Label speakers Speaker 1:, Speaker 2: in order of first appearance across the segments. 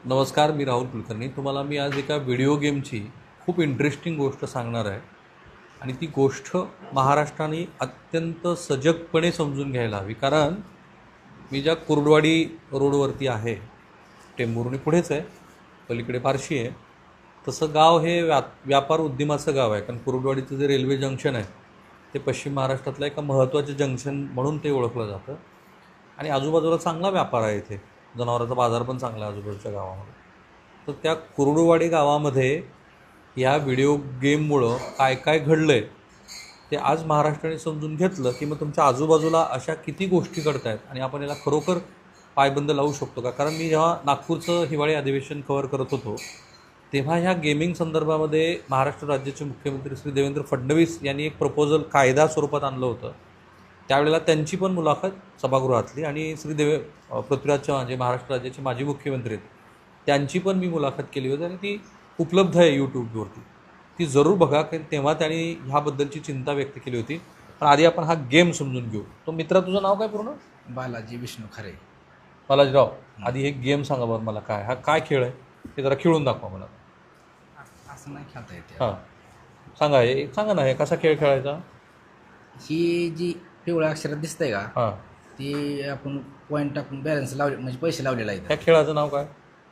Speaker 1: नमस्कार, मी राहुल कुलकर्णी. तुम्हाला मी आज एका व्हिडिओ गेमची खूप इंटरेस्टिंग गोष्ट सांगणार आहे आणि ती गोष्ट महाराष्ट्राने अत्यंत सजगपणे समजून घ्यायला हवी. कारण मी ज्या कुर्डवाडी रोडवरती आहे, टेंभुर्णी पुढेच आहे, पलीकडे फारशी आहे, तसं गाव हे व्यापार उद्यमाचं गाव आहे. कारण कुर्डवाडीचं जे रेल्वे जंक्शन आहे ते पश्चिम महाराष्ट्रातलं एका महत्त्वाचं जंक्शन म्हणून ते ओळखलं जातं आणि आजूबाजूला चांगला व्यापार आहे. इथे जनावरांचा बाजार पण चांगला आहे आजूबाजूच्या गावामध्ये. तर त्या कुर्डुवाडी गावामध्ये या व्हिडिओ गेममुळं काय काय घडलं आहे ते आज महाराष्ट्राने समजून घेतलं की मग तुमच्या आजूबाजूला अशा किती गोष्टी घडत आहेत आणि आपण याला खरोखर पायबंद लावू शकतो का. कारण मी जेव्हा नागपूरचं हिवाळी अधिवेशन कव्हर करत होतो तेव्हा ह्या गेमिंग संदर्भामध्ये महाराष्ट्र राज्याचे मुख्यमंत्री श्री देवेंद्र फडणवीस यांनी एक प्रपोजल कायदा स्वरूपात आणलं होतं. त्यावेळेला त्यांची पण मुलाखत सभागृहातली आणि पृथ्वीराज चव्हाण जे महाराष्ट्र राज्याचे माजी मुख्यमंत्री आहेत त्यांची पण मी मुलाखत केली होती आणि ती उपलब्ध आहे यूट्यूबवरती. ती जरूर बघा, कारण तेव्हा त्यांनी ह्याबद्दलची चिंता व्यक्त केली होती. पण आधी आपण हा गेम समजून घेऊ. तो मित्रा, तुझं नाव काय पूर्ण?
Speaker 2: बालाजी विष्णू खरे.
Speaker 1: बालाजीराव, आधी हे गेम सांगा बरं मला, काय खेळ आहे हे जरा खेळून दाखवा मला.
Speaker 2: असं नाही खेळता येते.
Speaker 1: हां, सांगा ना, हे कसा खेळ खेळायचा.
Speaker 2: ही जी पिवळ्या अक्षरात दिसतंय का,
Speaker 1: हां,
Speaker 2: ती आपण पॉईंट टाकून बॅलन्स लावले म्हणजे पैसे लावलेला आहे.
Speaker 1: ह्या खेळाचं नाव काय?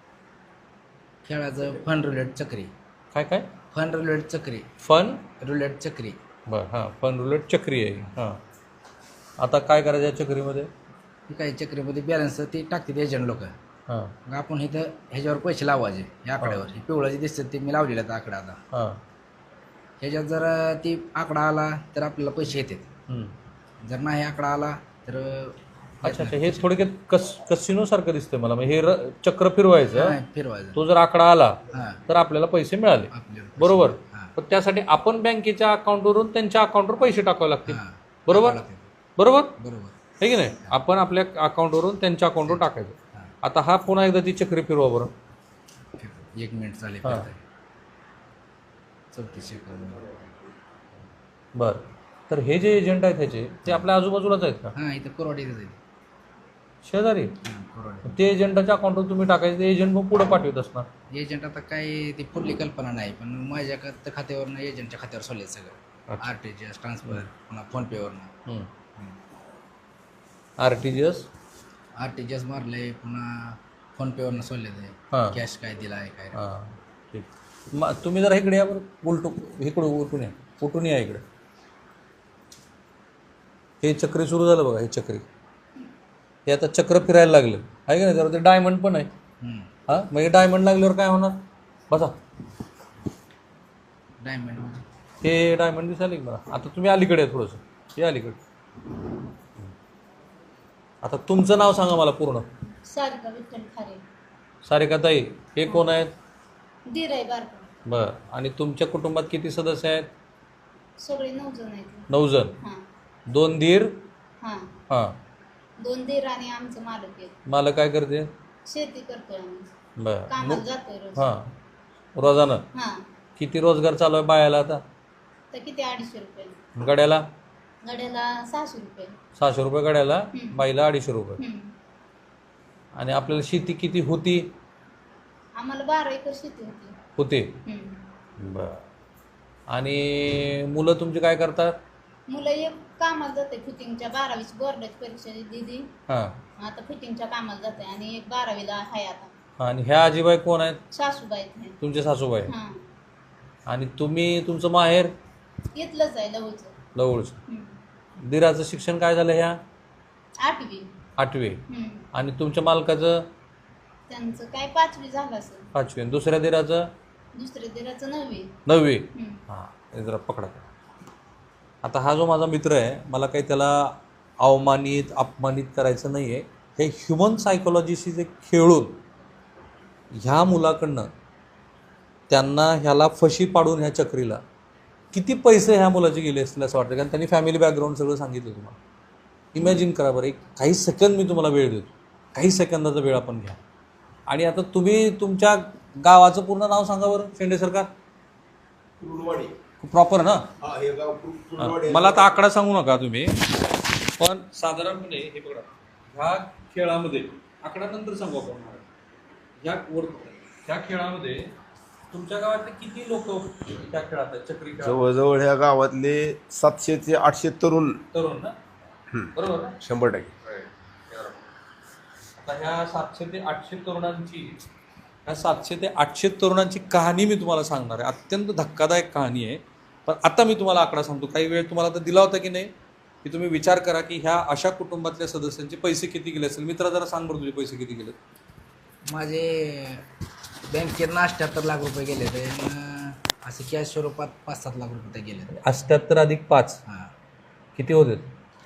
Speaker 2: खेळाचं फन रुलेट चक्री.
Speaker 1: काय
Speaker 2: फन रुलेट चक्री.
Speaker 1: फन
Speaker 2: रुलेट चक्री.
Speaker 1: बरं, हां, फन रुलेट चक्री आहे. हां, आता काय करायचं या चक्रीमध्ये?
Speaker 2: ही काही चक्रीमध्ये बॅलन्स ती टाकतात एजंट लोक.
Speaker 1: हां
Speaker 2: मग आपण इथं ह्याच्यावर पैसे लावायचे या आकड्यावर. हे पिवळं जे दिसतं ते मी लावलेलं आहे आकडा. आता
Speaker 1: हां,
Speaker 2: ह्याच्यात जर ती आकडा आला तर आपल्याला पैसे येतात. जर नाही आकडा आला तर
Speaker 1: अच्छा, हे थोडक्यात कसिनोसारखं दिसतंय मला. हे चक्र फिरवायचं,
Speaker 2: फिरवायचं.
Speaker 1: तो जर आकडा आला
Speaker 2: हां,
Speaker 1: तर आपल्याला पैसे मिळाले,
Speaker 2: आपल्याला
Speaker 1: बरोबर.
Speaker 2: हां,
Speaker 1: पण त्यासाठी आपण बँकेच्या अकाउंटवरून त्यांच्या अकाउंटवर पैसे टाकावे लागतील,
Speaker 2: हां,
Speaker 1: बरोबर बरोबर
Speaker 2: बरोबर.
Speaker 1: हे की नाही. आपण आपल्या अकाउंटवरून त्यांच्या अकाउंटवर टाकायचं.
Speaker 2: हां.
Speaker 1: आता हा पुन्हा एकदा ती चक्री फिरवा बरं.
Speaker 2: 1 मिनिट चालेल.
Speaker 1: हां.
Speaker 2: 34 सेकंद.
Speaker 1: बरं, तर हे जे एजंट आहेत ह्याचे ते आपल्या आजूबाजूलाच आहेत का?
Speaker 2: हां, इथं कोरवाडीच आहे.
Speaker 1: शेजारी.
Speaker 2: कोरवाडी.
Speaker 1: ते एजंटाच्या अकाउंटवर तुम्ही टाकायचं, ते एजंट मग पुढे पाठवत असणार.
Speaker 2: एजंट आता काय ती पुढली कल्पना नाही, पण माझ्या खात्यावरनं एजंटच्या खात्यावर सोडले सगळं.
Speaker 1: अच्छा.
Speaker 2: RTGS ट्रान्सफर, पुन्हा फोनपेवरनं RTGS मारले, पुन्हा फोनपेवरनं सोडले ते.
Speaker 1: हां.
Speaker 2: कॅश काय दिला आहे काय.
Speaker 1: हां, ठीक. तुम्ही जरा इकडे या बरं, उलटून या इकडे. हे चक्री सुरू झालं बघा. हे चक्री हे आता चक्र फिरायला लागलं आहे का नाही. जरा ते डायमंड पण आहे. हां, मग हे डायमंड लागल्यावर काय होणार बसा.
Speaker 2: डायमंड
Speaker 1: हे डायमंड दिसायला की मला. आता तुम्ही अलीकडे आहे थोडंसं, हे अलीकडे. आता तुमचं नाव सांगा मला पूर्ण.
Speaker 3: सारिका विठ्ठल खारे.
Speaker 1: सारिकाताई, हे कोण आहेत?
Speaker 3: दीर आहे बारका.
Speaker 1: बरं, आणि तुमच्या कुटुंबात किती सदस्य आहेत?
Speaker 3: सगळे 9 जण आहेत.
Speaker 1: 9 जण.
Speaker 3: हां
Speaker 1: 2 दीर.
Speaker 3: हां
Speaker 1: हां,
Speaker 3: 2 दीर आणि आमचं मालक आहे.
Speaker 1: मला काय करते?
Speaker 3: शेती करतोय आम्ही.
Speaker 1: बरं.
Speaker 3: कामाला जातोय रोज.
Speaker 1: हां, रोजानं
Speaker 3: हां,
Speaker 1: किती रोजगार चालू आहे बायाला आता?
Speaker 3: तर किती 250 रुपये
Speaker 1: गड्याला?
Speaker 3: गड्याला 600 रुपये.
Speaker 1: 600 रुपये गड्याला,
Speaker 3: हं.
Speaker 1: बाईला 250 रुपये.
Speaker 3: हं.
Speaker 1: आणि आपल्याला शेती किती होती?
Speaker 3: आम्हाला 12 एकर शेती
Speaker 1: होते.
Speaker 3: होती.
Speaker 1: बरं. आणि मुलं तुमची काय करतात?
Speaker 3: मुलं एक कामाला जाते फिटिंगच्या, 12वीची बोर्डाची परीक्षा दिली.
Speaker 1: हां,
Speaker 3: आता फिटिंगच्या कामाला जाते आणि एक 12वीला आहे आता.
Speaker 1: आणि ह्या आजीबाई कोण आहेत?
Speaker 3: सासूबाई आहेत.
Speaker 1: तुमचे सासूबाई.
Speaker 3: हां,
Speaker 1: आणि तुमचं माहेर?
Speaker 3: इथलंच आहे लवचं.
Speaker 1: जवळचं. दिराचं शिक्षण काय झालं ह्या?
Speaker 3: 8वी.
Speaker 1: 8वी. आणि तुमच्या मालकाचं?
Speaker 3: त्यांचं काय 5वी झालं असेल.
Speaker 1: 5वी. आणि दुसऱ्या दिराचं?
Speaker 3: दुसऱ्या दिराचं 9वी.
Speaker 1: 9वी. हां, हे जरा पकडा. आता हा जो माझा मित्र आहे, मला काही त्याला अपमानित करायचं नाही आहे. हे ह्युमन सायकोलॉजीशी जे खेळून ह्या मुलाकडनं त्यांना ह्याला फशी पाडून ह्या चक्रीला किती पैसे ह्या मुलाचे गेले असतील असं वाटतं. कारण त्यांनी फॅमिली बॅकग्राऊंड सगळं सांगितलं तुम्हाला. इमॅजिन करा बरं. काही सेकंद मी तुम्हाला वेळ देतो, काही सेकंदाचा वेळ आपण घ्या. आणि आता तुम्ही तुमच्या गावाचं पूर्ण नाव सांगा बरं. शेंडे सरकार.
Speaker 4: कुर्डवाडी
Speaker 1: प्रॉपर ना?
Speaker 4: हा, हे गाव कुर्डवाडी.
Speaker 1: मला आता आकडा सांगू नका तुम्ही, पण साधारणपणे हे बघा, ह्या खेळामध्ये आकडा नंतर सांगू आपण. त्या खेळामध्ये तुमच्या गावातले किती लोक त्या खेळात आहेत चक्री खेळात?
Speaker 4: जवळजवळ ह्या गावातले 700 ते 800 तरुण
Speaker 1: तरुण ना, बरोबर ना?
Speaker 4: 100%.
Speaker 1: आता ह्या 700 ते 800 तरुणांची कहाणी मी तुम्हाला सांगणार आहे. अत्यंत धक्कादायक कहाणी आहे. पण आता मी तुम्हाला आकडा सांगतो. काही वेळ तुम्हाला तर दिला होता की नाही, की तुम्ही विचार करा की ह्या अशा कुटुंबातल्या सदस्यांचे पैसे किती गेले असेल. मित्रा जरा सांग बरं, तुझे पैसे किती गेले?
Speaker 2: माझे बँकेत 78 लाख रुपये गेले ते, असे कॅश स्वरूपात 5-7 लाख रुपये गेले.
Speaker 1: 78 अधिक 5
Speaker 2: हां,
Speaker 1: किती होते?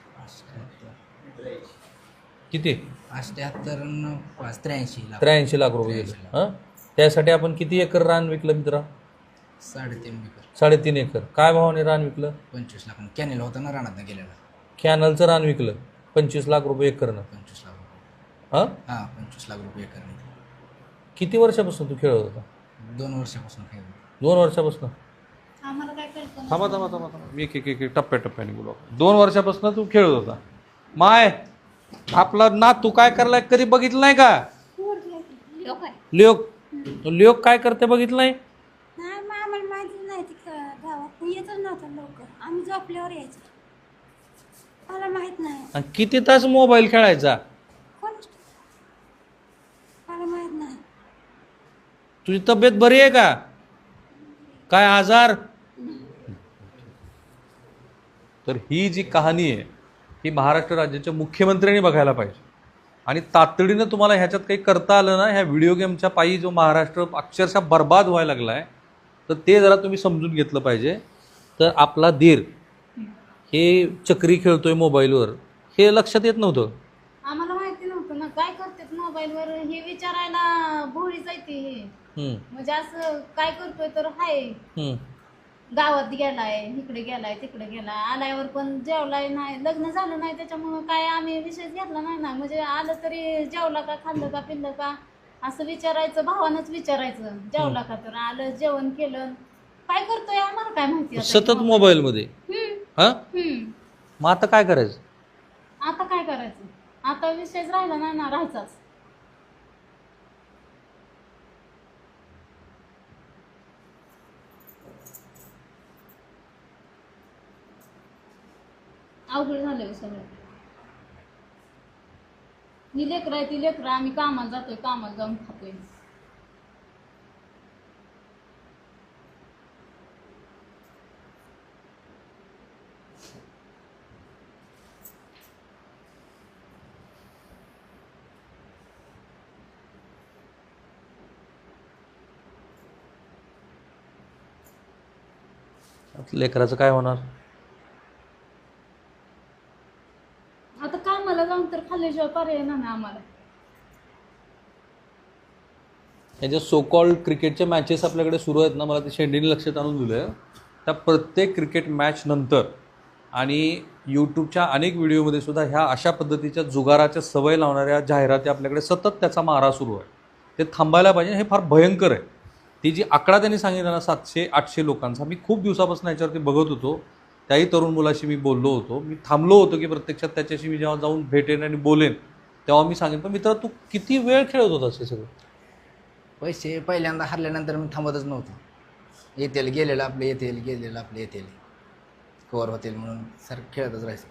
Speaker 2: 78
Speaker 1: किती?
Speaker 2: 78 आणि 5 83 लाख.
Speaker 1: 83 लाख रुपये गेले. हां, त्यासाठी आपण किती एकर रान विकलं मित्रा?
Speaker 2: 3.5 एकर.
Speaker 1: 3.5 एकर. काय भावाने रान विकलं?
Speaker 2: 25 लाख. कॅनेल होता ना रानात गेलेला.
Speaker 1: कॅनलचं रान विकलं 25 लाख रुपये एकरनं.
Speaker 2: 25 लाख रुपये.
Speaker 1: हां,
Speaker 2: 25 लाख रुपये एकर.
Speaker 1: किती वर्षापासून तू खेळत होता?
Speaker 2: 2 वर्षापासून खेळतो.
Speaker 1: 2 वर्षापासून?
Speaker 3: आम्हाला काय कळतं नाही.
Speaker 1: थांबा मी एक टप्प्याटप्प्याने बोलू. 2 वर्षापासून तू खेळत होता. माय, आपला ना तू काय करलाय कधी बघितलं नाही का?
Speaker 3: लोक आहे.
Speaker 1: लोक काय करते बघितलं नाही?
Speaker 5: नाही मग आम्हाला माहिती नाही ती गावात येतच नव्हतं लवकर. आम्ही झोपल्यावर यायचो. मला माहित नाही.
Speaker 1: आणि किती तास मोबाईल खेळायचा?
Speaker 5: कोण मला माहित नाही.
Speaker 1: तुझी तब्येत बरी आहे का? काय आजार? तर ही जी कहाणी आहे ही महाराष्ट्र राज्याच्या मुख्यमंत्र्यांनी बघायला पाहिजे. आणि तातडीनं तुम्हाला ह्याच्यात काही करता आलं ना, ह्या व्हिडिओ गेमच्या पायी जो महाराष्ट्र अक्षरशः बर्बाद व्हायला लागला आहे, तर ते जरा तुम्ही समजून घेतलं पाहिजे. तर आपला धीर हे चक्री खेळतोय मोबाईलवर हे लक्षात येत नव्हतं.
Speaker 3: आम्हाला माहिती नव्हतं ना काय करतात मोबाईलवर हे विचारायला भोळी जायते हे. म्हणजे असं काय करतोय तर हाय गावात गेलाय, इकडे गेलाय, तिकडे गेलाय, आल्यावर पण जेवलाय नाही, लग्न झालं नाही, त्याच्यामुळं काय आम्ही विषयच घेतला नाही ना. म्हणजे आलं तरी जेवला का, खाल्लं का, पिल्लं का असं विचारायचं, भावानंच विचारायचं. जेवला का, तर आलं, जेवण केलं, काय करतोय आम्हाला काय माहिती आता.
Speaker 1: सतत मोबाईलमध्ये. हा, मग आता काय करायचं?
Speaker 3: आता काय करायचं? आता विषयच राहिला नाही ना, राहायचाच. अवघड झालं सगळं. ही लेकरं आहे, ती लेकरं, आम्ही कामाला जातोय, कामाला जाऊन खातोय.
Speaker 1: लेकराचं काय होणार?
Speaker 3: आता कामाला जाऊन तर खाल्ल्याशिवाय पर्याय नाही ना आम्हाला.
Speaker 1: या ज्या सो कॉल्ड क्रिकेटच्या मॅचेस आपल्याकडे सुरू आहेत ना, मला ते शेंडीने लक्षात आणून दिलं. त्या प्रत्येक क्रिकेट मॅच नंतर आणि यूट्यूबच्या अनेक व्हिडिओमध्ये सुद्धा ह्या अशा पद्धतीच्या जुगाराच्या सवय लावणाऱ्या जाहिराती आपल्याकडे सतत त्याचा मारा सुरू आहे. ते थांबायला पाहिजे. हे फार भयंकर आहे. ती जी आकडा त्यांनी सांगितला ना 700-800 लोकांचा, मी खूप दिवसापासून याच्यावरती बघत होतो. त्याही तरुण मुलाशी मी बोललो होतो. मी थांबलो होतो की प्रत्यक्षात त्याच्याशी मी जेव्हा जाऊन भेटेन आणि बोलेन तेव्हा मी सांगेन. पण मित्र, तू किती वेळ खेळत होतास हे सगळं?
Speaker 2: पैसे पहिल्यांदा हरल्यानंतर मी थांबतच नव्हतो. येतील गेलेलं आपले येतील, गेलेलं आपले येतील, कवर होतील म्हणून सर खेळतच राहायचं.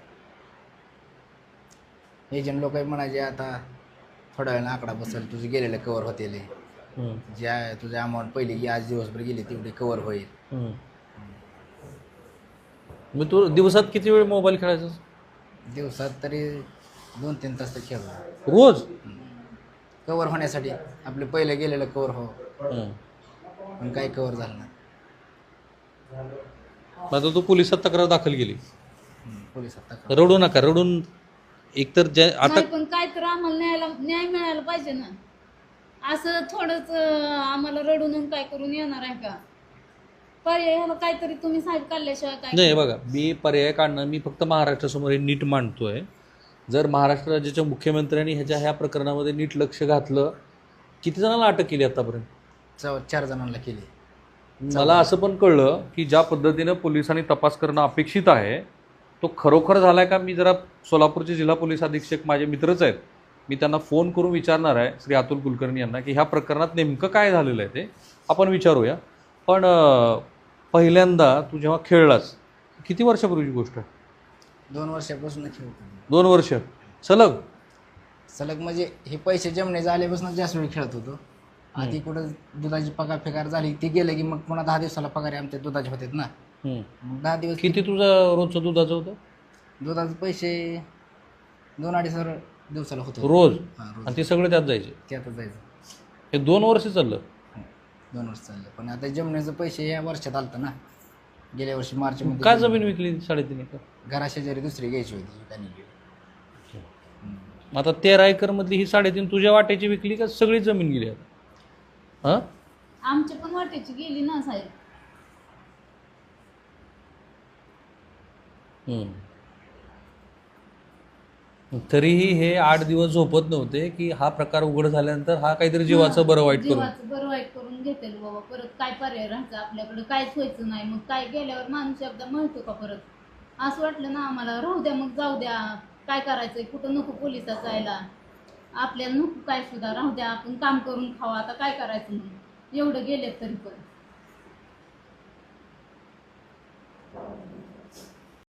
Speaker 2: एजंट लोक म्हणायचे आता थोड्या वेळानं आकडा बसेल, तुझे गेलेलं कवर होतील, ज्या तुझ्या अमाऊंट पहिली की आज दिवसभर गेली तेवढी कवर होईल.
Speaker 1: मग तू दिवसात किती वेळ मोबाईल खेळायचा?
Speaker 2: दिवसात तरी 2-3 तास तर खेळतो
Speaker 1: रोज.
Speaker 2: कवर होण्यासाठी. आपले पहिले गेलेलं कवर हो, पण काही कवर झालं नाही.
Speaker 1: आता तू पोलिसात तक्रार दाखल केली.
Speaker 2: पोलिसात
Speaker 1: रडू नका, रडून एकतर आता
Speaker 3: नाही, पण काय तर आम्हाला न्याय मिळायला पाहिजे ना. असं थोडंच आम्हाला रडून काय करून येणार आहे का? पर्याय ह्याला काहीतरी तुम्ही साहेब काढल्याशिवाय काय
Speaker 1: नाही. बघा, मी पर्याय काढणं, मी फक्त महाराष्ट्रासमोर हे नीट मांडतोय. जर महाराष्ट्र राज्याच्या मुख्यमंत्र्यांनी ह्या प्रकरणामध्ये नीट लक्ष घातलं, किती जणांना अटक केली आतापर्यंत?
Speaker 2: 4 जणांना केली.
Speaker 1: मला असं पण कळलं की ज्या पद्धतीनं पोलिसांनी तपास करणं अपेक्षित आहे तो खरोखर झालाय का? मी जरा सोलापूरचे जिल्हा पोलीस अधीक्षक माझे मित्रच आहेत, मी त्यांना फोन करून विचारणार आहे श्री अतुल कुलकर्णी यांना की ह्या प्रकरणात नेमकं काय झालेलं आहे ते आपण विचारूया. पण पहिल्यांदा तू जेव्हा खेळलास किती वर्षापूर्वीची गोष्ट आहे?
Speaker 2: 2 वर्षापासून खेळतो.
Speaker 1: 2 वर्ष सलग?
Speaker 2: सलग म्हणजे हे पैसे जमणे आल्यापासून जास्त वेळ खेळत होतो. आधी कुठं दुधाची पगार फेकार झाली ती गेलं की मग पुन्हा 10 दिवसाला पगार आमच्या दुधाचे होते ना. मग 10 दिवस
Speaker 1: किती तुझं रोजचं दुधाचं होतं?
Speaker 2: दुधाचे पैसे 2-2.5 हजार दिवसाला होतो
Speaker 1: रोज?
Speaker 2: हां रोज.
Speaker 1: आणि ते सगळे त्यात जायचे?
Speaker 2: त्यातच जायचं.
Speaker 1: हे 2 वर्ष चाललं?
Speaker 2: 2 वर्ष चाललं. पण आता जमण्याचं पैसे या वर्षात आलतं ना. गेल्या वर्षी मार्चमध्ये.
Speaker 1: काय जमीन विकली 3.5 एकर?
Speaker 2: घराशेजारी दुसरी घ्यायची होती त्यांनी गेली.
Speaker 1: आता 13 एकरमधली ही 3.5 तुझ्या वाट्याची विकली का सगळी जमीन गेली आता? हां
Speaker 3: आमच्या पण वाटेची गेली ना साहेब.
Speaker 1: तरीही हे 8 दिवस झोपत नव्हते की हा प्रकार उघड झाल्यानंतर हा काहीतरी जीवाचं बरं वाईट करून.
Speaker 3: जीवाचं बरं वाईट करून घेतेल बाबा. परत काय पर्याय राहायचं आपल्याकडे? काहीच व्हायचं नाही. मग काय गेल्यावर माणूस एकदा म्हणतो का परत? असं वाटलं ना आम्हाला, राहू द्या मग, जाऊ द्या, काय करायचंय, कुठं नको पोलिसात जायला, आपल्याला नको काय सुद्धा, राहू द्या, आपण काम करून खावा, आता काय करायचं म्हणून एवढं गेलेत तरी पण.